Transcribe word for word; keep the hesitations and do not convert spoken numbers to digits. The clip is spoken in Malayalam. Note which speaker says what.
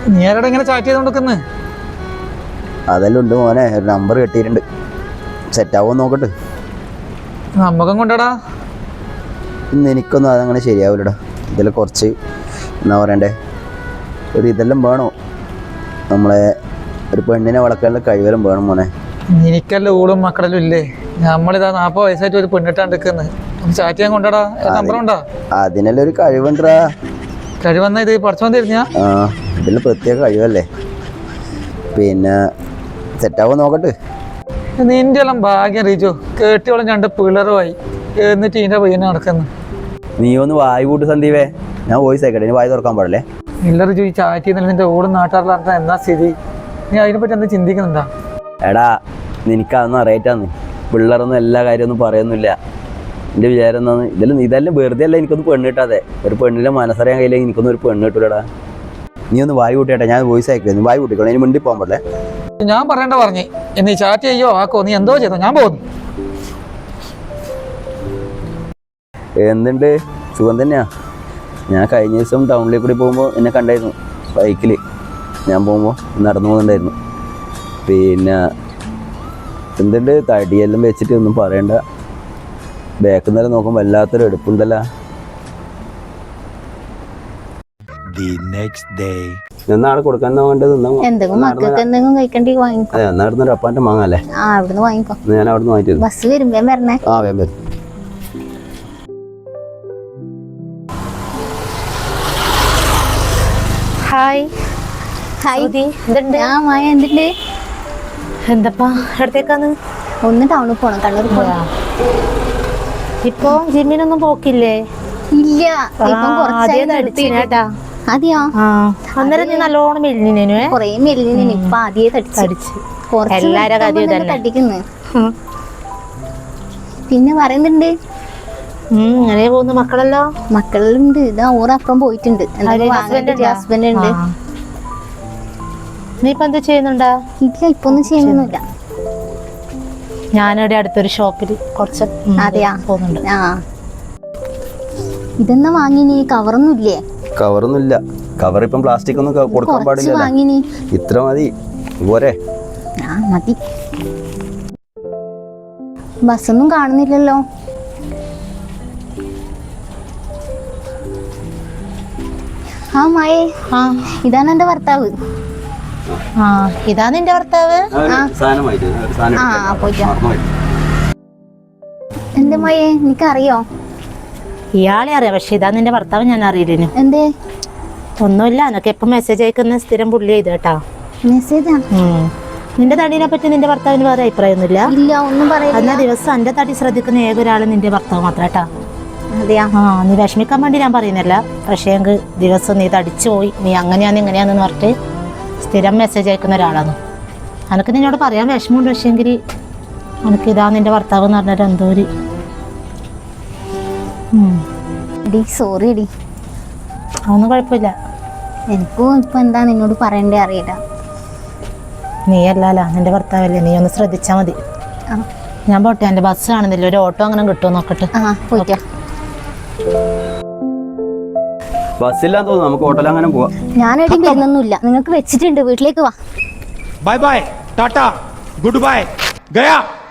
Speaker 1: നീ ആരോടെ ഇങ്ങനെ ചാറ്റ് ചെയ്തോണ്ടിരിക്കുന്നു?
Speaker 2: അതെല്ലാം ഉണ്ട് മോനെ, ഒരു നമ്പർ കിട്ടിയിട്ടുണ്ട്. സെറ്റ് ആവുമോ നോക്കട്ടെ.
Speaker 1: നമ്മക്കും കൊണ്ടടാ.
Speaker 2: ഇന്ന് എനിക്കൊന്നും അതങ്ങനെ ശരിയാവില്ലടാ. ഇതെല്ലാം കുറച്ച് എന്നാ പറയണ്ടേ, ഒരു ഇതെല്ലാം വേണോ, നമ്മളെ ഒരു പെണ്ണിനെ വളർക്കാനുള്ള കഴിവെല്ലാം വേണം മോനെ.
Speaker 1: എനിക്കല്ല ഊളും മക്കളെല്ലാം ഇല്ലേ? നമ്മളിതാ നാപ്പത് വയസ്സായിട്ട് ഒരു പെണ്ണിട്ടാണ് എടുക്കുന്നത്. ചാറ്റ് ചെയ്യാൻ കൊണ്ടടാ. നമ്പർ ഉണ്ടോ?
Speaker 2: അതിനെല്ലാം ഒരു കഴിവുണ്ടാ.
Speaker 1: കഴിവന്നാ ഇത് പഠിച്ചോൻ തരുന്ന?
Speaker 2: ആ, ഇതിൽ പ്രത്യേക കഴിവല്ലേ. പിന്നെ സെറ്റാവോ നോക്കട്ടെ.
Speaker 1: നിന്റെ എല്ലാം ഭാഗ്യം റീച്ചു, കേട്ടിയോളം രണ്ട് പിള്ളറുമായി എന്നിട്ട് ഇതിന്റെ പയ്യനെ നടക്കുന്നു.
Speaker 2: നീ ഒന്ന് വായി കൂട്ട് സന്ദീപേ, ഞാൻ വോയിസ് ആയിക്കട്ടെ, ഇനി വായി തുറക്കാൻ പാടില്ലേ.
Speaker 1: ഇല്ല റിജു, ഈ ചാറ്റ് ചെയ്യുന്നില്ല നിന്റെ ഓടും നാട്ടുകാരിൽ നടത്താൻ എന്നാ സ്ഥിതി? നീ അതിനെപ്പറ്റി എന്താ ചിന്തിക്കുന്നുണ്ടാ?
Speaker 2: എടാ നിനക്കതൊന്നും അറിയാറ്റാന്ന്, പിള്ളേരൊന്നും എല്ലാ കാര്യമൊന്നും പറയുന്നില്ല. എൻ്റെ വിചാരം എന്നാന്ന്, ഇതെല്ലാം ഇതെല്ലാം വെറുതെ അല്ല എനിക്കൊന്ന് പെണ്ണ് കിട്ടാതെ. ഒരു പെണ്ണിനെ മനസ്സറിയാൻ കഴിയില്ലെങ്കിൽ എനിക്കൊന്നും ഒരു പെണ്ണ് കിട്ടൂലടാ. നീ ഒന്ന് വായി കൂട്ടിയേട്ടെ, ഞാൻ വോയിസ് അയക്കില്ല. നീ വായി കൂട്ടിക്കോളെ, ഇനി മിണ്ടി പോകാൻ പാടില്ലേ.
Speaker 1: ഞാൻ പറയണ്ട പറഞ്ഞേ, എന്നീ ചാറ്റ് ചെയ്യോ ആക്കോ, നീ എന്തോ ചെയ്തോ, ഞാൻ പോകുന്നു.
Speaker 2: എന്തുണ്ട്, സുഖം തന്നെയാ. ഞാൻ കഴിഞ്ഞ ദിവസം ടൗണിലേക്ക് കൂടി പോകുമ്പോൾ എന്നെ കണ്ടായിരുന്നു ബൈക്കിൽ. ഞാൻ പോകുമ്പോൾ നടന്നു പോകുന്നുണ്ടായിരുന്നു. പിന്നെ എന്തുണ്ട്, തടിയെല്ലാം വെച്ചിട്ട് ഒന്നും പറയണ്ട. ബാക്കിൽ നിന്നെല്ലാം നോക്കുമ്പോൾ വല്ലാത്തൊരു എടുപ്പുണ്ടല്ലോ. എന്നാണ് കൊടുക്കാൻ വേണ്ടത്? എന്നായിരുന്നു അപ്പാന്റെ മാങ്ങല്ലേ? ഞാൻ അവിടുന്ന് വാങ്ങിച്ചു.
Speaker 3: ബസ് വരുമ്പോ വരണേ.
Speaker 2: ആ വേം വരും.
Speaker 3: Hi hi. എന്തുണ്ട്?
Speaker 4: എന്തപ്പാ എവിടത്തേക്കാന്ന്?
Speaker 3: ഒന്ന് ടൗണിൽ പോണം, കണ്ണൂർ പോണം.
Speaker 4: ഇപ്പൊ ജിമ്മിനൊന്നും പോക്കില്ലേ?
Speaker 3: ഇല്ല, അതെയോ?
Speaker 4: അന്നേരം നീ നല്ലോണം മെലിഞ്ഞു.
Speaker 3: കൊറേ മെലിഞ്ഞു. ഇപ്പൊ ആദ്യേ തടിച്ചു. തട്ടിക്കുന്നു. പിന്നെ പറയുന്നുണ്ട്
Speaker 4: അങ്ങനെ പോകുന്നു. മക്കളല്ലോ?
Speaker 3: മക്കളുണ്ട്. ഇതാ ഓറപ്പുറം പോയിട്ടുണ്ട്. ഹസ്ബൻഡ് ഉണ്ട്.
Speaker 4: നീ ഇപ്പൊ എന്താ ചെയ്യുന്നുണ്ടാ?
Speaker 3: ഇല്ല, ഇപ്പൊ ഒന്നും ചെയ്യുന്നില്ല.
Speaker 4: ഞാനിവിടെ അടുത്തൊരു ഷോപ്പില് കുറച്ച്
Speaker 3: അതെയാ
Speaker 4: പോകുന്നുണ്ട്.
Speaker 3: ആ, ഇതെന്നാ വാങ്ങിനി? കവറൊന്നും ഇല്ലേ?
Speaker 2: കവറൊന്നും ഇല്ല. കവർ ഇപ്പം പ്ലാസ്റ്റിക് ഒന്നും കൊടുക്കാൻ പാടില്ല.
Speaker 3: വാങ്ങിനി
Speaker 2: ഇത്ര മതി പോരെ?
Speaker 3: ആ മതി. ബസ്സൊന്നും കാണുന്നില്ലല്ലോ. ആ മായേ,
Speaker 4: ആ
Speaker 3: ഇതാണ് എന്റെ ഭർത്താവ്.
Speaker 4: ആ ഇതാ നിന്റെ ഭർത്താവ്?
Speaker 3: ആ പോയിട്ടോ. എന്റെ മായേ, നിനക്കറിയോ?
Speaker 4: ഇയാളെ അറിയാം, പക്ഷെ ഇതാ നിന്റെ ഭർത്താവ് ഞാൻ അറിയില്ലേനു.
Speaker 3: എന്തേ?
Speaker 4: ഒന്നുമില്ല, എനക്ക് എപ്പം മെസ്സേജ് അയക്കുന്ന സ്ഥിരം പുള്ളി ചെയ്ത് കേട്ടാ.
Speaker 3: മെസ്സേജാ?
Speaker 4: നിന്റെ തടീനെ പറ്റി നിന്റെ ഭർത്താവിന് വേറെ അഭിപ്രായമൊന്നുമില്ല?
Speaker 3: ഇല്ല, ഒന്നും പറയില്ല.
Speaker 4: എന്നാ ദിവസം എന്റെ തടി ശ്രദ്ധിക്കുന്ന ഏക ഒരാള് നിന്റെ ഭർത്താവ് മാത്രം കേട്ടാ.
Speaker 3: അതെയാ?
Speaker 4: ആ, നീ വിഷമിക്കാൻ വേണ്ടി ഞാൻ പറയുന്നില്ല, പക്ഷേ എങ്കിൽ ദിവസം നീ തടിച്ചു പോയി, നീ അങ്ങനെയാന്ന് ഇങ്ങനെയാന്ന് പറഞ്ഞിട്ട് സ്ഥിരം മെസ്സേജ് അയക്കുന്ന ഒരാളാണ്. എനിക്ക് നിന്നോട് പറയാൻ വിഷമമുണ്ട്, പക്ഷേ എങ്കിൽ എനിക്ക് ഇതാ നിന്റെ ഭർത്താവ് എന്ന് പറഞ്ഞിട്ട് എന്തോ ഒരു
Speaker 3: സോറി എടി.
Speaker 4: അതൊന്നും കുഴപ്പമില്ല.
Speaker 3: എനിക്കും ഇപ്പൊ എന്താ നിന്നോട് പറയണ്ടേ അറിയില്ല.
Speaker 4: നീ അല്ലല്ലോ നിന്റെ ഭർത്താവല്ലേ, നീ ഒന്ന് ശ്രദ്ധിച്ചാൽ മതി. ഞാൻ പോട്ടെ, എൻ്റെ ബസ് കാണുന്നില്ല, ഒരു ഓട്ടോ അങ്ങനെ കിട്ടുമോ നോക്കട്ടെ.
Speaker 3: ആ പോയിട്ടോ.
Speaker 2: ബസ്സില്ലാന്ന് തോന്നുന്നു, നമുക്ക് ഓട്ടോയിൽ അങ്ങനെ പോവാം.
Speaker 3: ഞാനെവിടെയും വരുന്നൊന്നുമില്ല, നിങ്ങൾക്ക് വെച്ചിട്ടുണ്ട്, വീട്ടിലേക്ക് വാ.
Speaker 5: Bye bye, tata, good bye, ഗയാ.